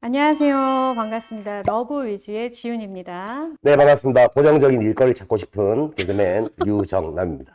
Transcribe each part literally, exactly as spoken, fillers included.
안녕하세요. 반갑습니다. 러브 위즈의 지윤입니다. 네, 반갑습니다. 고정적인 일거리를 찾고 싶은 개그맨 류정남입니다.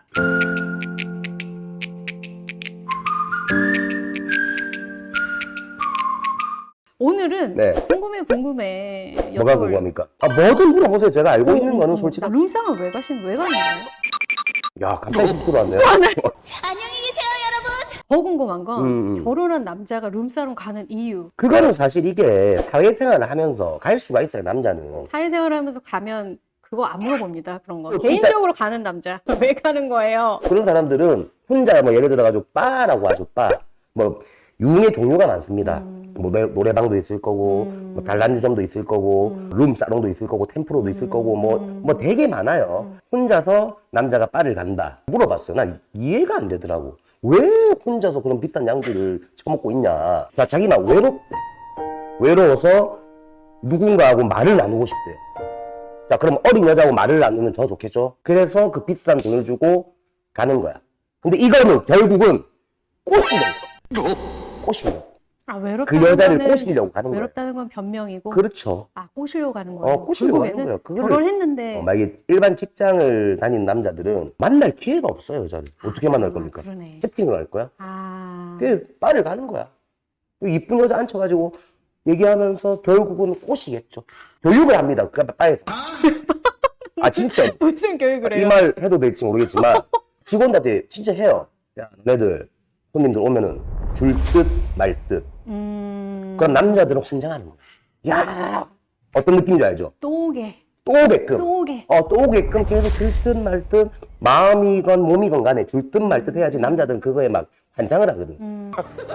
오늘은 네. 궁금해 궁금해 뭐가 여쭤볼- 궁금합니까? 아, 뭐든 물어보세요. 제가 알고 어, 있는 어, 거는 어. 솔직히. 룸상을 왜 가신 왜 가는 거예요? 야, 갑자기 훅 들어왔네요. 안녕히 계세요, 여러분. 더 궁금한 건 음, 음. 결혼한 남자가 룸사롱 가는 이유. 그거는 사실 이게 사회생활을 하면서 갈 수가 있어요, 남자는. 사회생활하면서 가면 그거 안 물어봅니다. 그런 거. 어, 진짜- 개인적으로 가는 남자 왜 가는 거예요? 그런 사람들은 혼자 뭐 예를 들어가지고 바라고 하죠, 바. 뭐 유흥의 종류가 많습니다. 음. 뭐 노, 노래방도 있을 거고, 음. 뭐 단란주점도 있을 거고, 음. 룸사롱도 있을 거고, 템프로도 있을 거고, 뭐, 음. 뭐 되게 많아요. 혼자서 남자가 바를 간다. 물어봤어요. 난 이해가 안 되더라고. 왜 혼자서 그런 비싼 양주를 처먹고 있냐. 자, 자기만 외롭대. 외로워서 누군가하고 말을 나누고 싶대. 자, 그럼 어린 여자하고 말을 나누면 더 좋겠죠? 그래서 그 비싼 돈을 주고 가는 거야. 근데 이거는 결국은 꼬시려고. 꼬시려고. 아 외롭다는 그 여자를 거는- 꼬시려고 가는 거야. 외롭다는 건 변명이고. 그렇죠. 아 꼬시려고 가는 거예요. 어, 꼬시려고 가는 결국에는 거야. 그거를- 결혼했는데. 어, 만약에 일반 직장을 다니는 남자들은 만날 기회가 없어요, 여자를. 어떻게 만날 아, 겁니까? 그러네. 채팅을 할 거야? 아. 그 바를 가는 거야. 그 이쁜 여자 앉혀가지고 얘기하면서 결국은 꼬시겠죠. 교육을 합니다. 그 바에서. 아, 진짜. 무슨 교육을 해요? 이 말 해도 될지 모르겠지만 직원들한테 진짜 해요. 야, 너네들 손님들 오면은 줄 듯 말 듯. 음. 그럼 남자들은 환장하는 거야. 야, 어떤 느낌인지 알죠? 또 오게. 또 오게끔. 또 오게. 어, 또 오게끔 계속 줄 듯 말 듯, 마음이건 몸이건 간에 줄 듯 말 듯 해야지 남자들은 그거에 막 환장을 하거든. 음.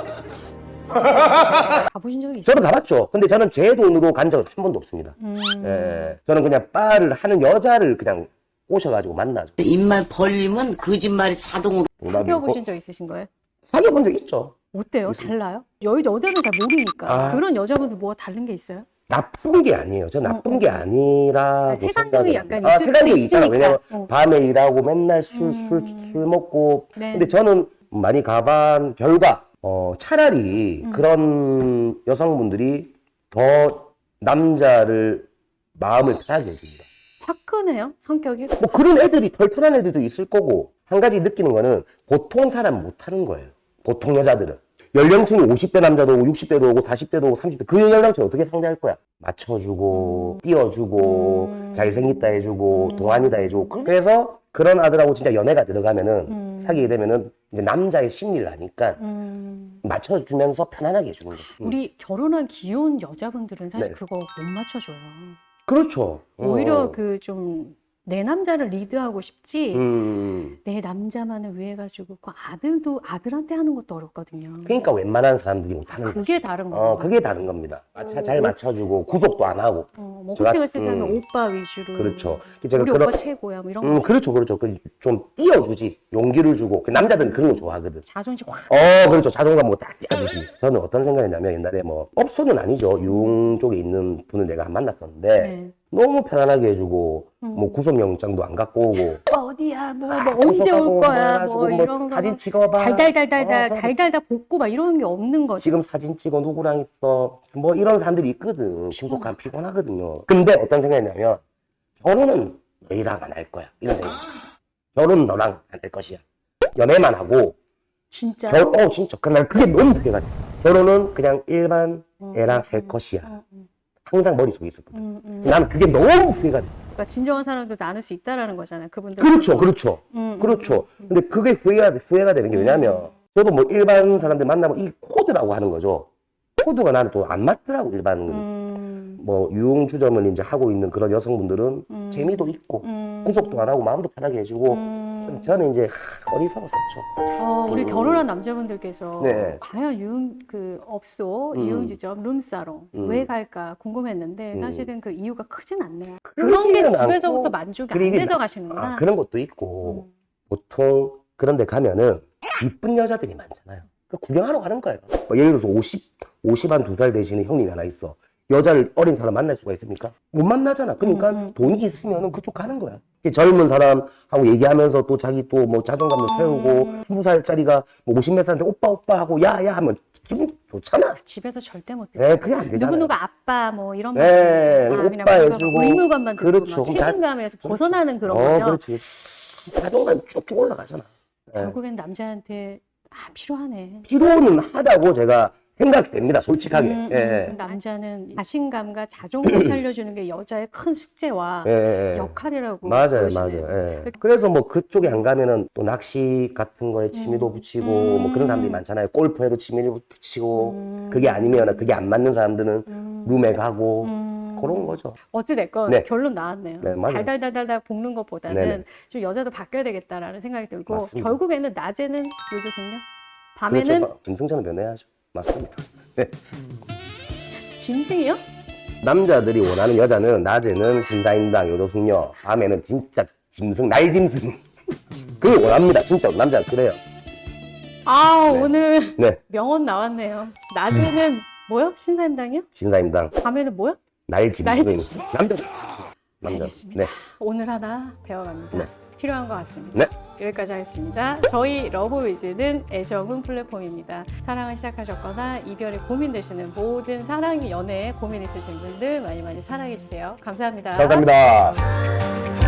가보신 적이 있어요? 저도 가봤죠. 근데 저는 제 돈으로 간 적은 한 번도 없습니다. 음. 예, 저는 그냥 바를 하는 여자를 그냥 꼬셔가지고 만나죠. 입만 벌리면 거짓말이 자동으로. 사귀어보신 적 있으신 거예요? 사귀어본 적 있죠. 어때요? 달라요? 여, 여자는 잘 모르니까. 아. 그런 여자분들 뭐가 다른 게 있어요? 나쁜 게 아니에요. 저 나쁜 어, 게 어. 아니라고 아, 색안경이 생각을 약간 합니다. 아, 있을 색안경이 수도 있잖아. 있으니까. 왜냐면 어. 밤에 일하고 맨날 술, 술, 음. 술 먹고. 네. 근데 저는 많이 가본 결과, 어, 차라리 음. 그런 여성분들이 더 남자를 마음을 편하게 해줍니다. 화끈해요? 성격이? 뭐 그런 애들이 털털한 애들도 있을 거고, 한 가지 느끼는 거는 보통 사람 못하는 거예요. 보통 여자들은. 연령층이 오십 대 남자도 오고 육십 대도 오고 사십 대도 오고 삼십 대 그 연령층 어떻게 상대할 거야? 맞춰주고 띄워주고 음. 잘생겼다 해주고 음. 동안이다 해주고 그래서 그런 아들하고 진짜 연애가 들어가면은 음. 사귀게 되면은 이제 남자의 심리를 아니까 음. 맞춰주면서 편안하게 해주는 거죠. 음. 우리 결혼한 귀여운 여자분들은 사실 네. 그거 못 맞춰줘요. 그렇죠. 오히려 어. 그 좀 내 남자를 리드하고 싶지 음. 내 남자만을 위해 가지고 그 아들도 아들한테 하는 것도 어렵거든요. 그러니까 웬만한 사람들이 못하는 거지. 그게 다른 거예요. 어, 그게 다른 겁니다. 아, 자- 잘 맞춰주고 구속도 안 하고. 어, 뭐 제가- 호칭을 쓰자면 음. 오빠 위주로. 그렇죠. 제가 우리 그런- 오빠 최고야. 뭐 이런 음, 거. 그렇죠, 그렇죠. 그 좀 띄워주지. 용기를 주고. 그 남자들은 그런 거 좋아하거든. 자존심 확. 어, 그렇죠. 자존감 뭐 딱 띄워주지. 저는 어떤 생각이냐면 옛날에 뭐, 업소는 아니죠. 유흥 쪽에 있는 분을 내가 만났었는데, 네. 너무 편안하게 해주고, 음. 뭐 구속영장도 안 갖고 오고, 어디야, 뭐, 아, 뭐 언제 구속하고 올 거야, 해가지고 뭐 뭐 이런 거. 사진 찍어봐. 달달달달달, 어, 달달달 볶고 막 이런 게 없는 거지. 지금 사진 찍어 누구랑 있어. 뭐 이런 사람들이 있거든. 구속하면 피곤하거든요. 근데 어떤 생각이냐면, 결혼은 너희랑 안 할 거야. 이런 생각. 결혼은 너랑 안 할 것이야. 연애만 하고, 진짜. 결, 어, 진짜. 그날 그게 너무 후회가 돼. 결혼은 그냥 일반 음, 애랑 음, 할 음, 것이야. 음, 음, 항상 머릿속에 있었거든. 음, 음. 나는 그게 너무 후회가 돼. 그러니까 진정한 사랑도 나눌 수 있다라는 거잖아요. 그분들. 그렇죠, 그렇죠. 음, 그렇죠. 근데 그게 후회가, 돼- 후회가 되는 게 왜냐면, 저도 뭐 일반 사람들 만나면 이 코드라고 하는 거죠. 코드가 나는 또 안 맞더라고, 일반. 음, 뭐, 유흥주점을 이제 하고 있는 그런 여성분들은 음. 재미도 있고, 음. 구속도 안 하고 마음도 편하게 해주고, 음. 저는 이제 하, 어리석었었죠. 어, 우리 음. 결혼한 남자분들께서 네. 과연 유흥 그 업소, 음. 유흥주점, 룸사롱 음. 왜 갈까 궁금했는데 음. 사실은 그 이유가 크진 않네요. 그런 게 그러지는 집에서부터 않고, 만족이 안 그리고 돼서 나- 가시는구나. 아, 그런 것도 있고, 음. 보통 그런 데 가면은 이쁜 여자들이 많잖아요. 그 구경하러 가는 거예요. 뭐 예를 들어서 오십, 오십 한 두 살 되시는 형님이 하나 있어. 여자를 어린 사람 만날 수가 있습니까? 못 만나잖아. 그러니까 음, 음. 돈이 있으면은 그쪽 가는 거야. 젊은 사람하고 얘기하면서 또 자기 또 뭐 자존감도 세우고 음. 스무 살짜리가 뭐 오십 몇 살인데 오빠 오빠 하고 야야 하면 기분 좋잖아. 집에서 절대 못 듣고. 네, 그게 안 되잖아요. 누구 누구 아빠 뭐 이런 네, 말 오빠 해주고. 의무감만 듣고 그렇죠. 막 그럼 다- 책임감에서 벗어나는 그런 어, 거죠. 그렇지. 자존감 쭉쭉 올라가잖아. 네. 결국엔 남자한테 아 필요하네. 필요는 하다고 제가 생각됩니다. 솔직하게. 음, 예. 음, 남자는 자신감과 자존감 살려주는 게 여자의 큰 숙제와 예, 예, 예. 역할이라고 맞아요, 그러시네요. 맞아요. 예. 그래서 뭐 그쪽에 안 가면은 또 낚시 같은 거에 취미도 붙이고 뭐 그런 사람들이 많잖아요. 골프에도 취미를 붙이고 그게 아니면 그게 안 맞는 사람들은 룸에 가고 그런 거죠. 어찌됐건 네. 결론 나왔네요. 네, 맞아요. 달달달달달 볶는 것보다는 네네. 좀 여자도 바뀌어야 되겠다라는 생각이 들고 맞습니다. 결국에는 낮에는 요조숙녀, 밤에는 그렇죠. 김승찬은 변해야죠. 맞습니다. 네. 짐승이요? 남자들이 원하는 여자는 낮에는 신사임당, 요조숙녀, 밤에는 진짜 짐승, 날짐승. 그걸 원합니다. 진짜 남자는 그래요. 아 네. 오늘 네. 명언 나왔네요. 낮에는 뭐요? 신사임당이요? 신사임당, 밤에는 뭐요? 날짐승. 날짐승. 남자. 남자. 알겠습니다. 네. 오늘 하나 배워갑니다. 네. 필요한 것 같습니다. 네. 여기까지 하겠습니다. 저희 러브위즈는 애정은 플랫폼입니다. 사랑을 시작하셨거나 이별에 고민되시는 모든 사랑, 연애에 고민 있으신 분들 많이 많이 사랑해주세요. 감사합니다. 감사합니다.